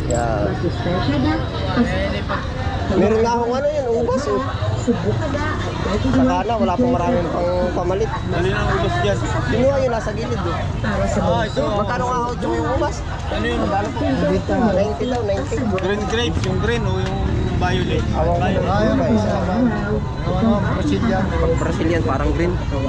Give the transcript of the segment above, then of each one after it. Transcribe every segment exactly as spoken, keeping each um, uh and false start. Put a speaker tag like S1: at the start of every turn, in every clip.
S1: Yan. Meron nga akong ano yan, ubas oh. Saka na, wala pang maraming pang pamalit.
S2: Ano yung ubas dyan?
S1: Kinuha yun, nasa gilid oh.
S2: Ah, ito.
S1: Magkano nga ako yung ubas?
S2: Ano yun?
S1: Magkano po? ninety daw, ninety.
S2: Green grapes, yung green o yung violet?
S1: Awang kayo. Ayun ba, isa ba?
S2: Ano, Brazilian.
S1: Brazilian, parang green.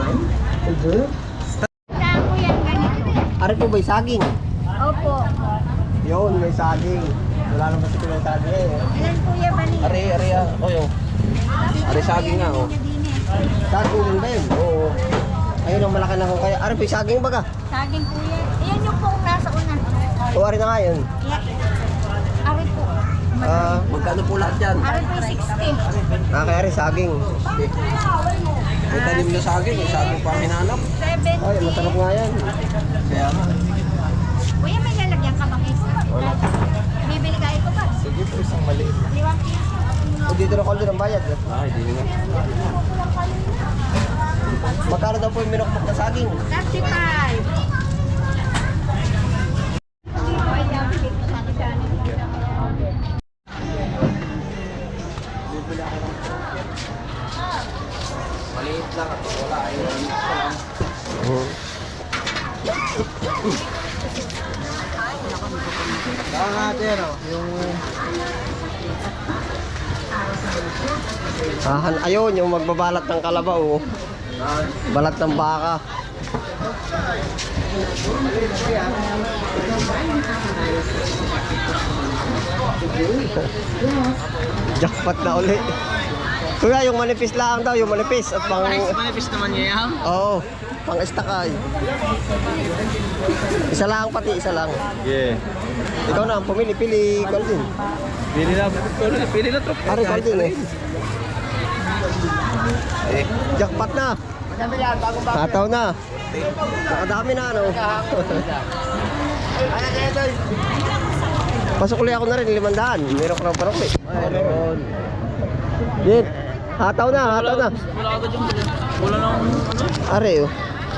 S1: Ari po ba yung saging?
S3: Opo.
S1: Yun, may saging. Wala naman kasi may saging eh.
S3: Ilan kuya ba niya?
S1: Ari, ari ah. O yun. Ari saging nga oh. Saging din ba yun? Oo. Ayun ang malaki na kung kaya. Ari po yung saging baga.
S3: Saging kuya. Iyan yung pong nasa una.
S1: O ari na nga yun.
S3: Yeah. Ari po.
S1: Ah, magkano po lahat yan?
S3: Ari po sixty.
S1: Ah, kaya ari saging. May tanim na saging, yung saging pa ang hinanap.
S3: seventy.
S1: Ay, masarap nga yan. Kaya nga.
S3: Kuya, may lalagyan ka ba kaysa?
S1: Wala.
S3: Bibili kayo ko ba?
S2: Sige po, isang maliit.
S3: Liwang piso.
S1: O dito na call din ang bayad. Ay, di nga. Magkano daw po yung minokpok na saging?
S3: thirty-five.
S1: Maliit lang at wala ay maliit pa lang.
S2: Saan natin o? Yung...
S1: Ah, ayun, yung magbabalat ng kalabaw. Oh. Balat ng baka. Jackpot na uli. Kuya, yung manipis lang daw, yung manipis at pang...
S2: Manipis naman niya yan?
S1: Oo, pang estakay. Isa lang pati, isa lang.
S2: Yeah.
S1: Ikaw na, pumili, pili, Golden.
S2: Pili na, pili na trop.
S1: Ari, Golden eh. Eh, jackpot na. Hataw na. Nakadami na, ano. Pasok ulit ako na rin, limandaan. Meron ko ng parok eh.
S2: Meron.
S1: Dit, hataw na, hataw na.
S2: Wala agad yung... Wala nang...
S1: Ari, oh.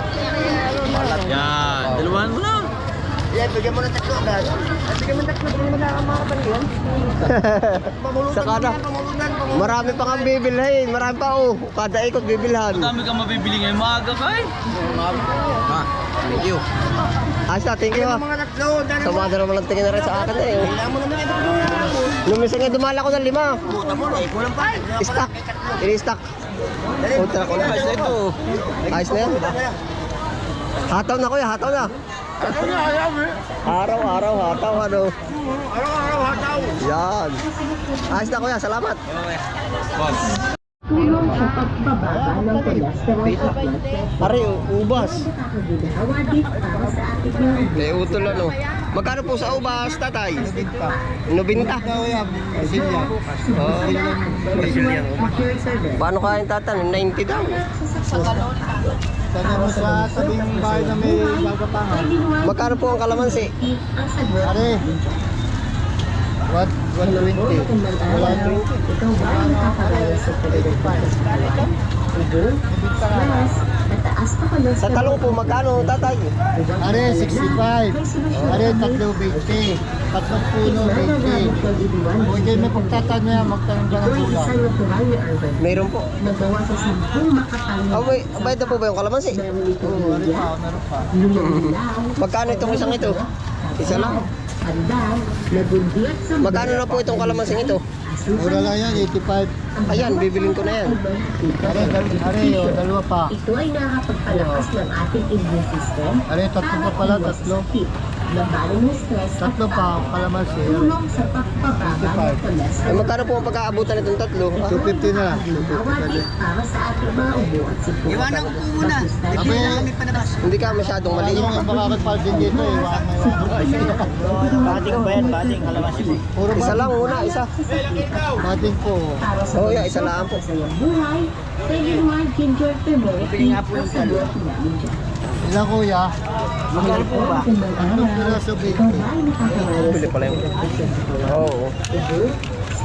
S2: Yan, dalawahan mo lang.
S1: Yan, bigyan mo na tatlo agad. Bigyan mo na tatlo, bigyan mo na ang mga kapatid. Saka na, marami pa kang bibilhin, marami pa oh. Kada ikot bibilhan.
S2: Madami kang mabibili ngayon, maaga ka eh.
S1: Ah, thank you. Asa, thank you ah. Sama na naman ang tingin na rin sa akin eh. Nung minsan nga dumala ko ng lima. Stock, ini-stock. Ultra ko na.
S2: Ayos na ito.
S1: Ayos na yan. Hataw na kuya, hataw na. Araw-araw hataw ano.
S2: Araw-araw hataw.
S1: Yan. Ayos na kuya, salamat.
S2: Boss.
S4: Tulong sa pagbababa ng cholesterol at blood pressure.
S1: Pare, ubas.
S4: Nakakaginawa din para sa ating mga
S1: May utol ano. Magkano po sa ubas, tatay? Nobinta.
S2: Brazilian.
S1: Oh, Brazilian.
S4: accurate service.
S1: Paano kain tatan? ninety daw.
S2: Sana mo sa tabing bahay na may gagapangan.
S1: Magkano po ang kalamansi?
S4: Ang sagot.
S2: Are. What? one twenty.
S4: Wala twenty. Ikaw ba ang nakakarayo sa pagkakas? Ito? Mas, mataas pa kayo
S1: Sa talong po, magkano tatay?
S2: Are, sixty-five. Are, tatlo, twenty. Tatlong puno, twenty. Kung kayo may pagtatan niya, magtanong ka ng
S4: Ito ay
S2: ulam.
S4: isang natural na urban.
S1: Meron po.
S4: Nagawa sa sampung makapal
S1: Ah, wait, bayad na po ba yung kalamansi?
S4: meron itong
S2: Meron
S4: luya,
S2: pa, meron pa.
S4: lumilinaw,
S1: Magkano itong isang ito? Isa lang.
S4: pandan, nagundi at sambal.
S1: Magkano na po itong kalamansi ito?
S2: Mura lang yan, eighty-five.
S1: Ayan, bibilin ko na yan.
S2: Are, dal- are, oh, dalawa pa.
S4: Ito ay nakakapagpalakas ng ating immune system.
S2: Are, tatlo pa pala, tatlo.
S4: Labanan ng stress at
S2: Tatlo pa, kalamansi.
S4: tulong sa pagpababa ng
S1: Ay,
S4: cholesterol.
S1: magkano po ang pagkaabutan itong tatlo? Ah,
S2: two fifty na lang.
S4: Ginawa din para sa ating mga ubo at sipo.
S5: Iwanan ko po muna.
S2: Sabi,
S5: Kami panabas.
S1: hindi ka masyadong
S2: wala
S1: maliit.
S2: namang makakapal din dito eh. Baka may
S5: Bating ba yan? Bating kalamansi po.
S2: Puro
S1: Isa
S2: ba?
S1: lang una, isa.
S2: Bating po.
S4: Para sa
S1: Oo, yeah, isa lang po.
S4: sa iyong buhay, Pediluan Ginger Turmeric
S5: Bili nga po yung
S4: sa
S5: talo.
S2: Ilang kuya?
S5: Magkano po ba?
S2: Tatlong piraso,
S4: Ikaw
S2: baby.
S4: ba ay nakakarayo
S1: Bili pala yung... Oo.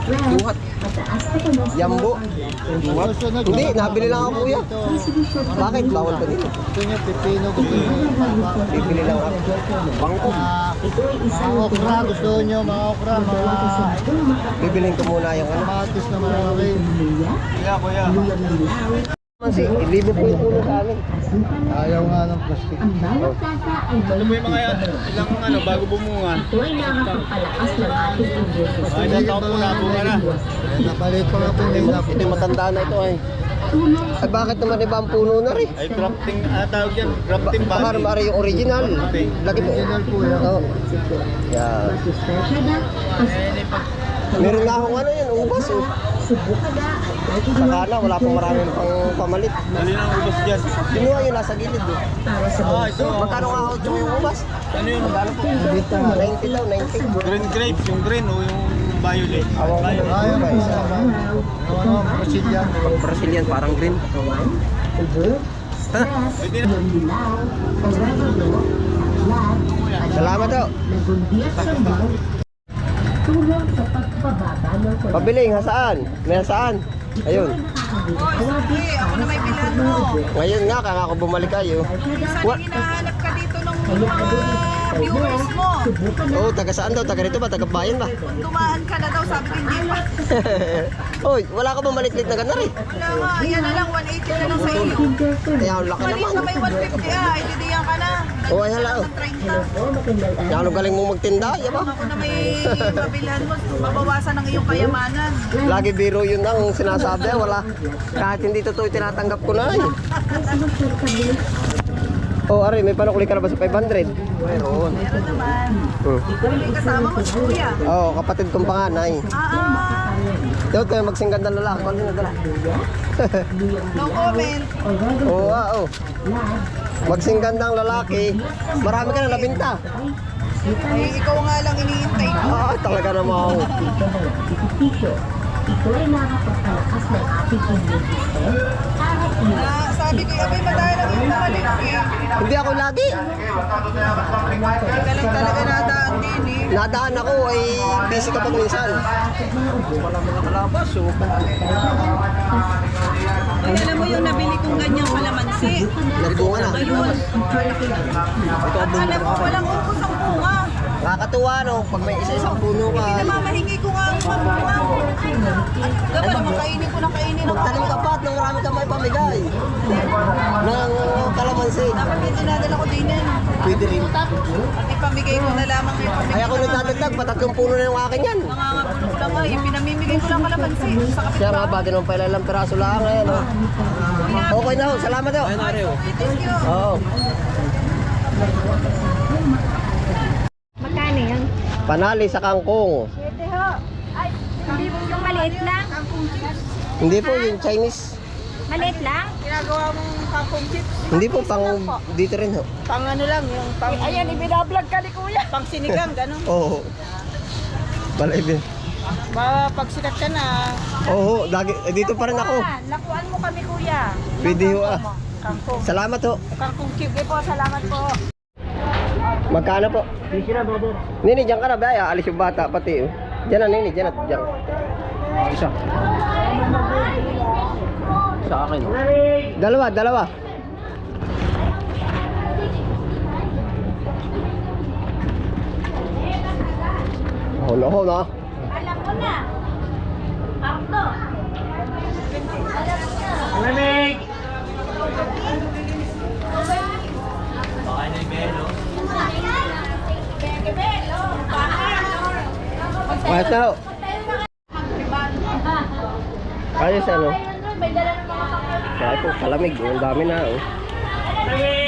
S1: Duhat.
S4: Mataas na cholesterol
S1: Yambo.
S4: ang blood pressure.
S2: Susunod
S1: Hindi,
S2: naman,
S1: nabili lang ako, kuya.
S2: dito.
S1: Bakit? Bawal pa dito.
S2: Gusto nyo pipino, gusto nyo palbak.
S1: Bibili lang ako. Bangko.
S2: Ah,
S4: Ito ay isang
S2: mga okra, gusto nyo mga okra, mga
S1: Bibilin ko muna yung ano.
S2: kamatis na malalaki.
S4: luya,
S5: Kuya, kuya.
S4: luya ng dilaw,
S1: Kasi, libo po yung puno sa amin.
S4: asukal ng
S2: Ayaw nga ng plastic.
S4: Ang bawat tasa ay
S5: Alam mo yung mga ilang ano, bago bumunga.
S4: Ito ay nakakapagpalakas ng ating immune system.
S5: Ay, ilang taon po na, bunga na.
S2: Napalit pa nga po
S1: Ito,
S2: nila.
S1: ito yung matanda na ito ay.
S4: Tulong
S1: Ay bakit naman iba ang puno na rin?
S5: Ay, grafting, ano tawag yan? Grafting
S1: Baka
S5: body.
S1: naman yung original. Laki po.
S2: Original po yan.
S1: Oo. Yan.
S4: Masustansya na ang
S1: Meron na akong ano yan, ubas oh.
S4: subukan na ay pwede
S1: Saka na, wala pang maraming pang pamalit.
S5: Dali ng ubos dyan.
S1: Kinuha yun, nasa gilid oh.
S4: para sa
S5: Ah, ito.
S1: Magkano nga ako yung ubas?
S5: Ano yun?
S2: Dito.
S1: ninety daw, ninety.
S5: Green grapes, yung green o yung violet.
S1: Awang ko
S5: Violet.
S2: Ayaw
S1: ba
S2: po
S1: isa?
S2: naman. Ano, Brazilian.
S1: Brazilian, parang green.
S4: kawan, ubo, stress,
S5: Pwede na.
S4: yung dilaw, oregano, taklat,
S1: Salamat daw.
S4: nagundiyat sa buhok, tulong sa pagpababa ng kolesterol.
S1: Pabiling, hasaan? May hasaan? Ayun.
S4: Hindi, ako na may bilhan mo.
S1: Ngayon nga, kaya ako bumalik kayo. What?
S3: Hinahanap ka dito ng
S4: Kaya
S3: mga viewers mo.
S4: subukan na
S1: Oh, taga saan daw? Taga rito ba? Taga bayan ba?
S3: Dumaan ka na daw, sabi ko hindi pa.
S1: Oy, wala ka bang malitlit na ganda rin?
S3: Wala nga, yan na lang, one eighty na lang sa iyo.
S1: Kaya ang laki
S3: Mali
S1: naman.
S3: ka may one fifty ah, ididiyan ka na.
S1: Oh, ay hala oh.
S3: thirty.
S4: Oh, magandang
S1: Kaya ano galing mong magtinda, yaba?
S3: Ako na may mabilhan mo, mabawasan ang iyong kayamanan.
S1: Lagi biro yun ang sinasabi, wala. Kahit hindi totoo, tinatanggap ko na eh. Oh, Ari, may panukuli ka na ba sa five hundred? Meron.
S3: Meron naman.
S1: Hmm.
S3: May kasama mo si Kuya.
S1: Oo, oh, kapatid kong panganay.
S3: Ah, ah.
S1: Dito kayo magsinggan ng lalaki. Ano na dala?
S3: No comment.
S1: Oo, ah, oo. Magsinggan ng lalaki. Marami ka na nabinta.
S3: Eh, ikaw nga lang iniintay ko.
S1: Ah, talaga naman.
S4: Ito ay nakakapagpalakas ng ating immune system para iwas
S3: Na, sabi ko, abay madaya lang yung mahalin ko eh.
S1: Hindi ako lagi.
S3: Ika lang talaga nadaan din eh.
S1: Nadaan ako ay busy ka pag minsan. Wala mga kalabas, oh.
S3: Ay, alam mo yung nabili kong ganyang kalamansi.
S1: Nagbunga na.
S3: Ayun.
S1: Ito ang
S3: Alam mo, walang ubos ang bunga.
S1: Nakakatuwa, no? Pag may isa-isang puno ka.
S3: Pinamamahingi ko nga ang mamunga. Dapat naman kainin ko na kainin ang
S1: Magtanim ka pa at nang marami ka may pamigay. Ng kalamansi.
S3: Dapat may dinadala ko din yan.
S1: Pwede rin.
S3: At ipamigay ko na lamang yung pamigay.
S1: Ay ako nagdadagdag, patatlong puno na yung akin yan.
S3: Nangangapulog lang nga, yung pinamimigay ko lang kalamansi. Sa
S1: Siya nga
S3: kapitbahay.
S1: ba, din pala ilang piraso lang ngayon, oh. Okay na ho, salamat ho.
S3: Okay, thank you.
S1: Oo.
S3: Magkano yan?
S1: Panali sa kangkong.
S3: Pwede ho. Ay, hindi mo yung maliit lang?
S1: Hindi po yung Chinese.
S3: Maliit lang? Ginagawa mong kangkong chips?
S1: Hindi po, pang dito rin ho.
S3: Pang ano lang, yung pang... Ayan, ibinablog ka ni Kuya. Pang sinigang, gano'n.
S1: Oo. Balay din.
S3: Ba, pag sikat ka na,
S1: Oo, lagi, eh, dito pa rin ako.
S3: lakuan mo kami Kuya.
S1: Pwede ho ah.
S3: Kangkong.
S1: Salamat ho.
S3: Kangkong chips. Eh po, salamat po.
S1: Magkano po? Nini, diyan ka na ba? Ay, alis yung bata pati. Oh. Diyan na, Nini, diyan na. Diyan. Isa. Sa akin. Oh. Dalawa, dalawa. Oh, no, no.
S3: Alam ko na. Arto.
S1: Kahit na ho. Ayos ano?
S3: May dala ng mga kapatid.
S1: Kaya po, kalamig. Ang dami na oh.